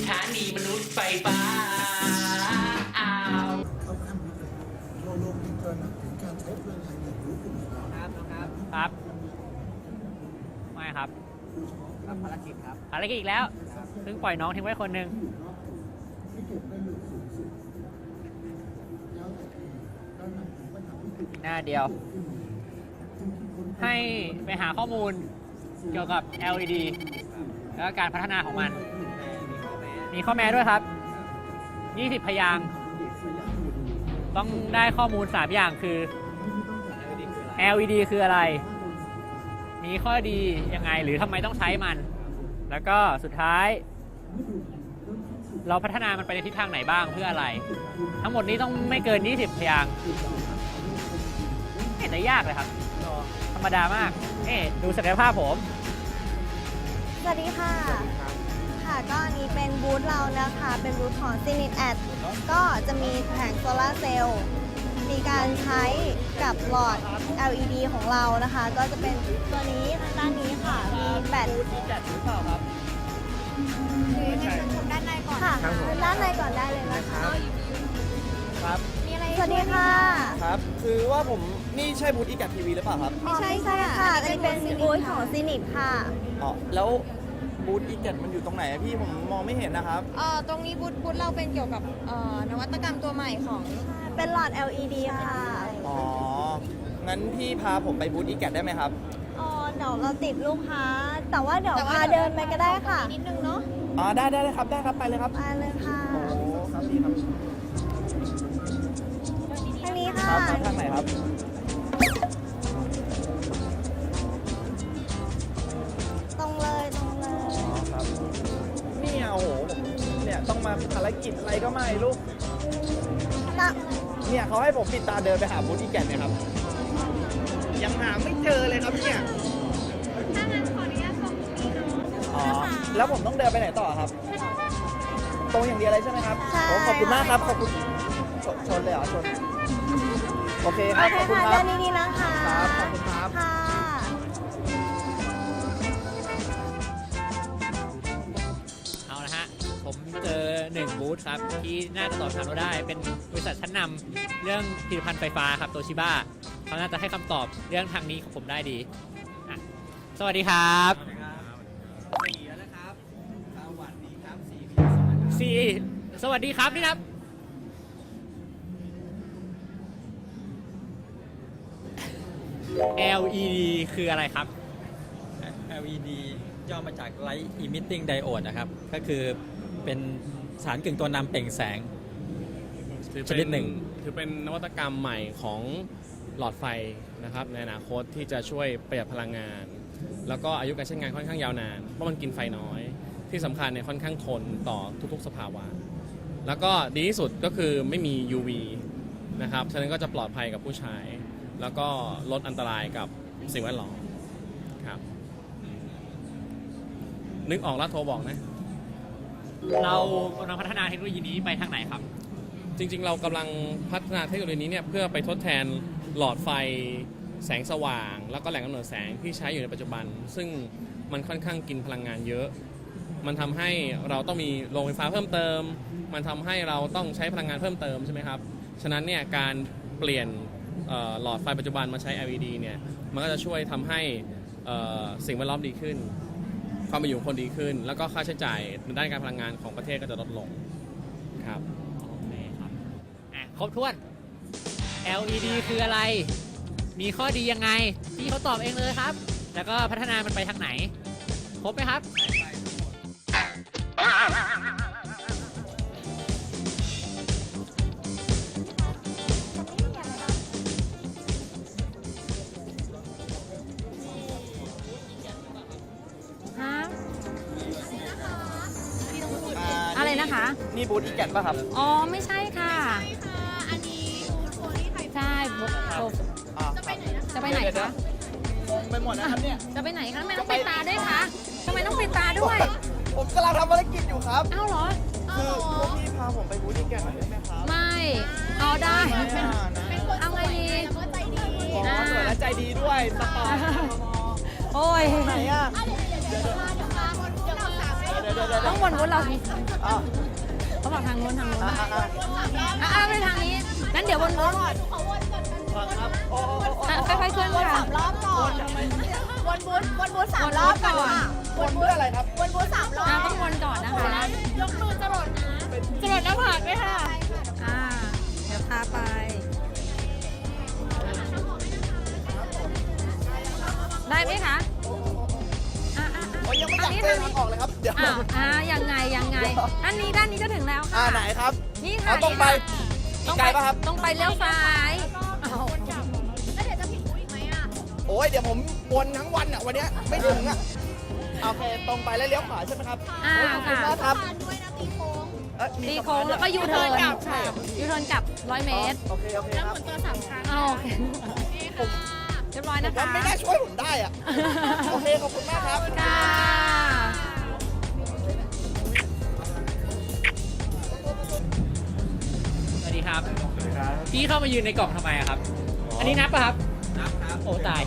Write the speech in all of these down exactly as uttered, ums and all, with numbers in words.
ถานีมนุษย์ไฟฟ้าอ้าวเขาขั้นนี้เลยเราลงถึงตระหนักถึงการใช้พลังงานอย่างรู้คุณค่าครับครับครับไม่ครับรับภารกิจครับภารกิจอีกแล้วเพิ่งปล่อยน้องทิ้งไว้คนหนึ่งที่เก็บได้อยู่สูงสุดแล้วตระหนักถึงปัญหาวิกฤตหน้าเดียว ให้ไปหาข้อมูลเกี่ยวกับ แอล อี ดี แล้วก็การพัฒนาของมัน มีข้อแม้ด้วยครับ ยี่สิบ พยางค์ต้องได้ข้อมูล สาม อย่างคือ แอล อี ดี คืออะไร มีข้อดียังไงหรือทำไมต้องใช้มัน แล้วก็สุดท้าย เราพัฒนามันไปในทิศทางไหนบ้างเพื่ออะไร ทั้งหมดนี้ต้องไม่เกิน ยี่สิบ พยางค์ไม่เห็นจะยากเลยครับ ธรรมดามากนี่ดูศักยภาพผมสวัสดีค่ะ ค่ะ ก็อันนี้เป็นบูธเรานะคะ เป็นบูธของ Zenith Ad ก็จะมีแผงโซลาร์เซลล์ มีการใช้กับหลอด แอล อี ดี ของเรานะคะ ก็จะเป็นตัวนี้ทางด้านนี้ค่ะ มีแบตจัดหรือเปล่าครับหรือในชมด้านในก่อนค่ะด้านในก่อนได้เลยนะคะครับมีอะไรสวัสดีค่ะครับ คือว่าผมนี่ใช่บูธอีกัดทีวีหรือเปล่าครับไม่ใช่ใช่ค่ะอันนี้เป็นบูธของ Zenith ค่ะอ๋อ แล้วบูธอีกัดมันอยู่ตรงไหนอะพี่ผมมองไม่เห็นนะครับเอ่อตรงนี้บูธบูธเราเป็นเกี่ยวกับเอ่อนวัตกรรมตัวใหม่ของเป็นหลอด แอล อี ดี ค่ะอ๋อ งั้นพี่พาผมไปบูธอีกัดได้ไหมครับอ๋อ เดี๋ยวเราติดลูกค้า แต่ว่าเดี๋ยวพาเดินไปก็ได้ค่ะนิดนึงเนาะอ๋อ ได้ได้ได้ครับ ได้ครับ ไปเลยครับไปเลยค่ะโอ้ครับพี่ครับทางนี้ค่ะครับมาทางไหนครับตรงเลยตรงเลยอ๋อครับเนี่ยโอ้โหผมเนี่ยต้องมาภารกิจอะไรก็ไม่รู้ตะเนี่ยเขาให้ผมปิดตาเดินไปหาบูธอีแกนเนี่ยครับ ยังหาไม่เจอเลยครับเนี่ยถ้างั้นขออนุญาตส่งตรงนี้เนาะอ๋อ แล้วผมต้องเดินไปไหนต่อครับ ตรงอย่างเดียวเลยใช่ไหมครับใช่โอ้ขอบคุณมากครับ ขอบคุณชนชนเลยเหรอชน โอเคคโอรับเคขอบคุณค่ะครัเดิบนดีๆนะคะครับขอบคุณครับค่ะเอาละฮะ ผมเจอหนึ่งบูธครับ ที่น่าจะตอบคำถามเราได้ เป็นบริษัทชั้นนำเรื่องผลิตภัณฑ์ไฟฟ้าครับโตชิบ้าเขาน่าจะให้คำตอบเรื่องทางนี้ของผมได้ดีอ่ะสวัสดีครับสี่สวัสดีครับนี่ครับ แอล อี ดี คืออะไรครับแอล อี ดี ย่อมาจาก Light Emitting Diode นะครับ ก็คือเป็นสารกึ่งตัวนำเปล่งแสงถือชเป็นนิดหนึ่งถือเป็นนวัตกรรมใหม่ของหลอดไฟนะครับในอนาคตที่จะช่วยประหยัดพลังงาน แล้วก็อายุการใช้งานค่อนข้างยาวนานเพราะมันกินไฟน้อย ที่สำคัญเนี่ยค่อนข้างทนต่อทุกๆสภาวะ แล้วก็ดีที่สุดก็คือไม่มี ยู วี นะครับฉะนั้นก็จะปลอดภัยกับผู้ใช้ แล้วก็ลดอันตรายกับสิ่งแวดล้อมครับนึกออกแล้วโทรบอกนะเรากำลังพัฒนาเทคโนโลยีนี้ไปทางไหนครับจริงๆ เรากำลังพัฒนาเทคโนโลยีนี้เนี่ยเพื่อไปทดแทนหลอดไฟแสงสว่าง แล้วก็แหล่งกำเนิดแสงที่ใช้อยู่ในปัจจุบัน ซึ่งมันค่อนข้างกินพลังงานเยอะ มันทำให้เราต้องมีโรงไฟฟ้าเพิ่มเติม มันทำให้เราต้องใช้พลังงานเพิ่มเติมใช่ไหมครับฉะนั้นเนี่ยการเปลี่ยนเอ่อหลอดไฟปัจจุบันมาใช้ แอล อี ดี เนี่ยมันก็จะช่วยทำให้เอ่อสิ่งแวดล้อมดีขึ้น ความเป็นอยู่ของคนดีขึ้น แล้วก็ค่าใช้จ่ายในด้านการพลังงานของประเทศก็จะลดลงครับโอเคครับอ่ะครบถ้วน แอล อี ดี คืออะไร มีข้อดียังไง พี่เขาตอบเองเลยครับ แล้วก็พัฒนามันไปทางไหน ครบไหมครับฮะอ่าอะไรนะคะนี่บูธอีแกนป่ะครับอ๋อ ไม่ใช่ค่ะอันนี้บูธโพลีไทยใช่บูธอ่าจะไปไหนนะจะไปไหนเดี๋ยวคะงงไปหมดนะครับเนี่ยจะไปไหนคะทำไมต้องปิดตาด้วยคะทำไมต้องปิดตาด้วยผมกำลังทำภารกิจอยู่ครับอ้าวเหรอคือพวกพี่พาผมไปบูธอีแกนหน่อยได้ไหมครับไม่เอาได้ไม่อ่ะนะเอาไงดีอ๋อสวยและใจดีด้วยสปอร์ตโอ้ยไหนอ่ะ เดี๋ยวเดี๋ยวเดี๋ยวต้องวนวนเราสิอ้าวเขาบอกทางโน้นทางโน้นอ่ะอ่ะอ่ะอ่ะอ่ะไปทางนี้งั้นเดี๋ยววนวนครับโอ้โอ้โอ้โอ้อ่ะค่อยๆเคลื่อนค่ะรอบก่อน วนบูธวนบูธสามรอบก่อนค่ะวนเพื่ออะไรครับวนบูธสามรอบอ่ะต้องวนก่อนนะคะยกมือจรดนะจรดหน้าผากด้วยค่ะอ่าเดี๋ยวพาไป ได้ไหมคะอ่ะอ่ะโอ้ยยังไม่ออัยาน กนี้เต้ทาน งทางนี้ออกเลยครับ เดี๋ยวอ้าวอ่ายังไงยังไงด้านนี้ด้านนี้จะถึงแล้วอ่าค่ะไหนครับนี่ค่ะเอาตรงไปนี่ค่ะไกลปะครับตรงไปเลี้ยวซ้ายอ้าวแล้วเดี๋ยวจะผิดบูธอีกไหมอ่ะโอ้ยเดี๋ยวผมวนทั้งวันอ่ะวันเนี้ยไม่ถึงอ่ะโอเคตรงไปแล้วเลี้ยวขวาใช่ไหมครับอ่าโยขอบคุณค่ะมากครับทานด้วยนะตีโค้งเอ้ยมีตีสะพาโค้งนแล้วก็ยูเทิร์นใช่เหรอยูเทิร์นกลับร้อยเมตรโอเคโอเคครับตัวสามครั้งอ้าวโอเคเรียบร้อยนะว่าคะไม่น่าช่วยผมได้อ่ะ โอเคขอบคุณมากครับค่ะสวัสดีครับ พี่เข้ามายืนในกล่องทำไมอะครับ อันนี้นับป่ะครับ นับครับ โอ้ตาย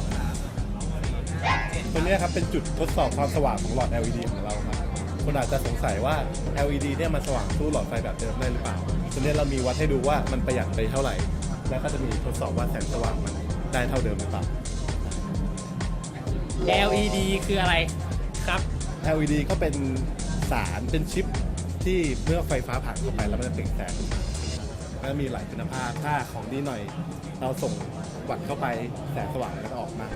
ตัวเนี้ยครับเป็นจุดทดสอบความสว่างของหลอด แอล อี ดี ของเราครับคุณอาจจะสงสัยว่า แอล อี ดี เนี่ยมันสว่างสู้หลอดไฟแบบเดิมได้หรือเปล่าตัวเนี้ยเรามีวัดให้ดูว่ามันประหยัดไปเท่าไหร่ แล้วก็จะมีทดสอบว่าแสงสว่างมันได้เท่าเดิมหรือเปล่าแอล อี ดี คืออะไรครับแอล อี ดี ก็เป็นสารเป็นชิปที่เมื่อไฟฟ้าผ่านเข้าไปแล้วมันจะเปล่งแสงแล้วมีหลายคุณภาพถ้าของดีหน่อย เราส่งวัดเข้าไปแสงสว่างแล้วก็ออกมา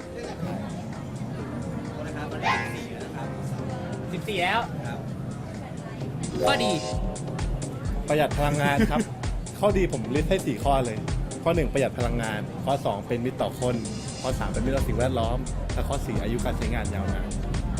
สิบสี่ แล้วข้อดีประหยัดพลังงานครับ ข้อดีผมลิสต์ให้สี่ข้อเลย ข้อหนึ่งประหยัดพลังงาน ข้อสองเป็นมิตรต่อคน ข้อสามเป็นมิตรต่อสิ่งแวดล้อม และข้อสี่อายุการใช้งานยาวนาน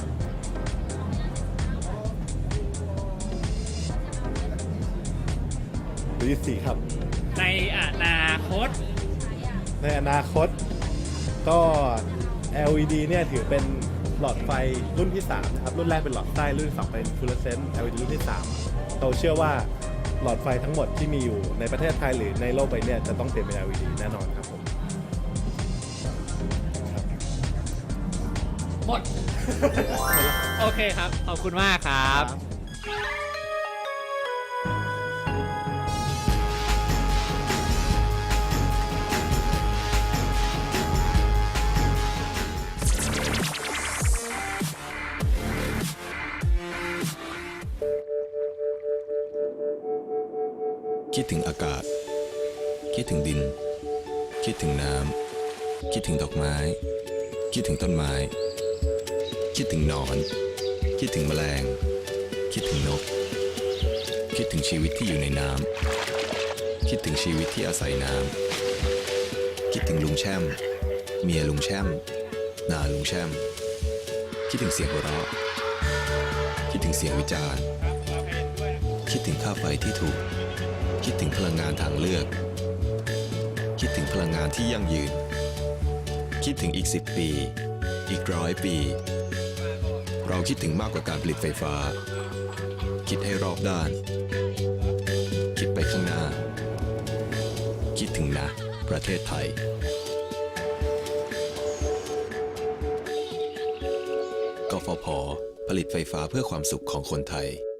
ตัวที่สี่ครับในอนาคตในอนาคตก็ แอล อี ดี เนี่ยถือเป็นหลอดไฟรุ่นที่สามนะครับรุ่นแรกเป็นหลอดใต้รุ่นที่สองเป็นฟลูออเรสเซนต์ แอล อี ดี รุ่นที่สามเราเชื่อว่าหลอดไฟทั้งหมดที่มีอยู่ในประเทศไทยหรือในโลกใบนี้จะต้องเปลี่ยนเป็น แอล อี ดี แน่นอนครับผมหมด โอเคครับ ขอบคุณมากครับคิดถึงอากาศ คิดถึงดิน คิดถึงน้ำ คิดถึงดอกไม้ คิดถึงต้นไม้ คิดถึงหนอน คิดถึงแมลง คิดถึงนก คิดถึงชีวิตที่อยู่ในน้ำ คิดถึงชีวิตที่อาศัยน้ำ คิดถึงลุงแช่ม เมียลุงแช่ม นาลุงแช่ม คิดถึงเสียงหัวเราะ คิดถึงเสียงวิจารณ์ คิดถึงค่าไฟที่ถูก คิดถึงพลังงานทางเลือก คิดถึงพลังงานที่ยั่งยืน คิดถึงอีกสิบปี อีกร้อยปี เราคิดถึงมากกว่าการผลิตไฟฟ้า คิดให้รอบด้าน คิดไปข้างหน้า คิดถึงนะ ประเทศไทย กฟผ. ผลิตไฟฟ้าเพื่อความสุขของคนไทย